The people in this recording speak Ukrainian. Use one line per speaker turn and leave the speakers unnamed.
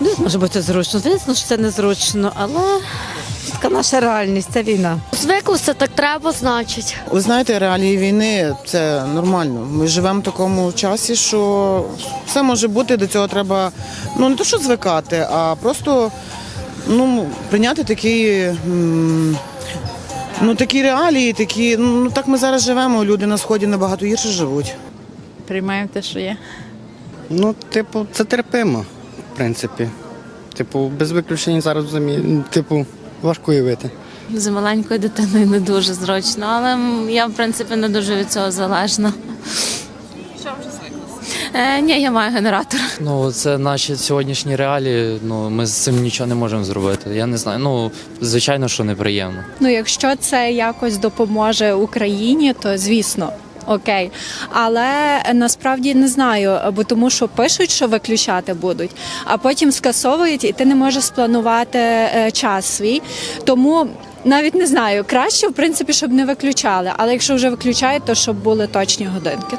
Може бути зручно. Звісно, що це незручно, але така наша реальність, це війна.
Звиклося, так треба, значить.
Ви знаєте, реалії війни – це нормально. Ми живемо в такому часі, що все може бути, до цього треба, не то що звикати, а просто прийняти такі реалії, так ми зараз живемо, люди на Сході набагато гірше живуть.
Приймаємо те, що є.
Це терпимо, в принципі. Без виключень зараз важко уявити.
З маленькою дитиною не дуже зручно, але я, в принципі, не дуже від цього залежна. Що вже звиклося? Ні, я маю генератор.
Це наші сьогоднішні реалії, ми з цим нічого не можемо зробити. Я не знаю, звичайно, що неприємно.
Якщо це якось допоможе Україні, то звісно. Окей, але насправді не знаю, бо тому що пишуть, що виключати будуть, а потім скасовують, і ти не можеш спланувати час свій. Тому навіть не знаю, краще, в принципі, щоб не виключали, але якщо вже виключають, то щоб були точні годинки.